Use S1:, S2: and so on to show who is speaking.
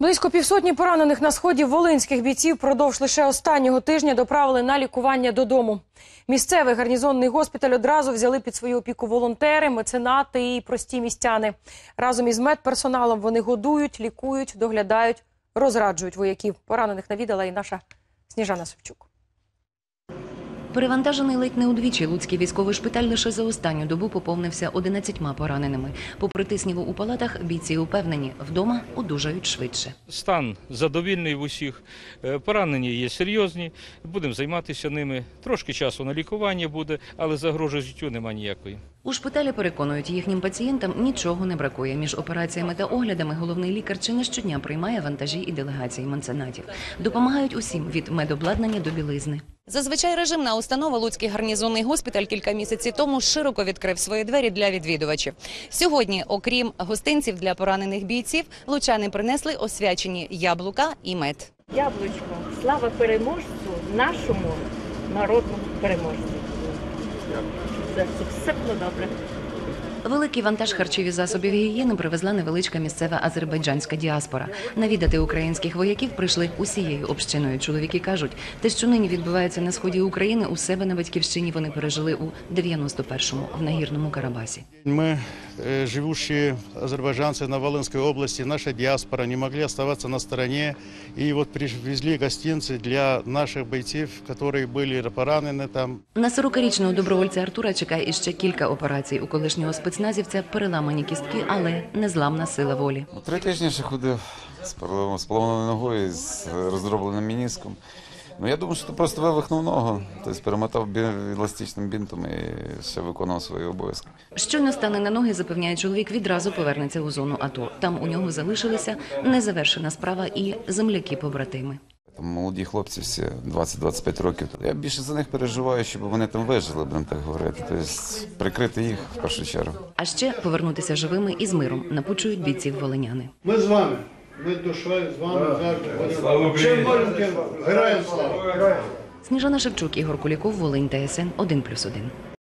S1: Близько півсотні поранених на сході волинських бійців впродовж лише останнього тижня доправили на лікування додому. Місцевий гарнізонний госпіталь одразу взяли під свою опіку волонтери, меценати і прості містяни. Разом із медперсоналом вони годують, лікують, доглядають, розраджують вояків. Поранених навідала і наша Сніжана Савчук.
S2: Перевантажений ледь не удвічі, Луцький військовий шпиталь лише за останню добу поповнився 11 пораненими. Попри тисніву у палатах, бійці упевнені, вдома одужають швидше.
S3: Стан задовільний в усіх, поранені є серйозні, будемо займатися ними. Трошки часу на лікування буде, але загрози життю немає ніякої.
S2: У шпиталі переконують, їхнім пацієнтам нічого не бракує. Між операціями та оглядами головний лікар чи не щодня приймає вантажі і делегації меценатів. Допомагають усім – від медобладнання до білизни.
S4: Зазвичай режимна установа Луцький гарнізонний госпіталь кілька місяців тому широко відкрив свої двері для відвідувачів. Сьогодні, окрім гостинців для поранених бійців, лучани принесли освячені яблука і мед.
S5: Яблучко, слава переможцю, нашому народному переможцю. Це все було добре.
S2: Великий вантаж харчів і засобів гігієни привезла невеличка місцева азербайджанська діаспора. Навідати українських вояків прийшли усією общиною. Чоловіки кажуть, те, що нині відбувається на сході України, у себе на батьківщині вони пережили у 91-му в Нагірному Карабасі.
S6: Мы, живущие азербайджанцы на Волынской области, наша диаспора, не могли оставаться на стороне. И вот привезли гостинцы для наших бойцов, которые были поранены там.
S2: На 40-річного добровольця Артура чекає іще кілька операцій. У колишнього спецназівця переламані кістки, але незламна сила волі.
S7: 3 тижні ще ходив з поламаною ногою, з роздробленим меніском. Ну, я думаю, що це просто вивихнув ногу, тобто перемотав еластичним бінтом і ще виконував свої обов'язки.
S2: Щойно стане на ноги, запевняє чоловік, відразу повернеться у зону АТО. Там у нього залишилися незавершена справа і земляки-побратими.
S7: Там молоді хлопці всі, 20-25 років. Я більше за них переживаю, щоб вони там вижили, будемо так говорити. Тобто прикрити їх в першу чергу.
S2: А ще повернутися живими і з миром, напучують бійців волиняни.
S8: Ми з вами. Ми душою з вами завжди. Чим можемо, героям слава!
S2: Сніжана Шевчук, Ігор Куліков, Волинь, ТСН 1+1.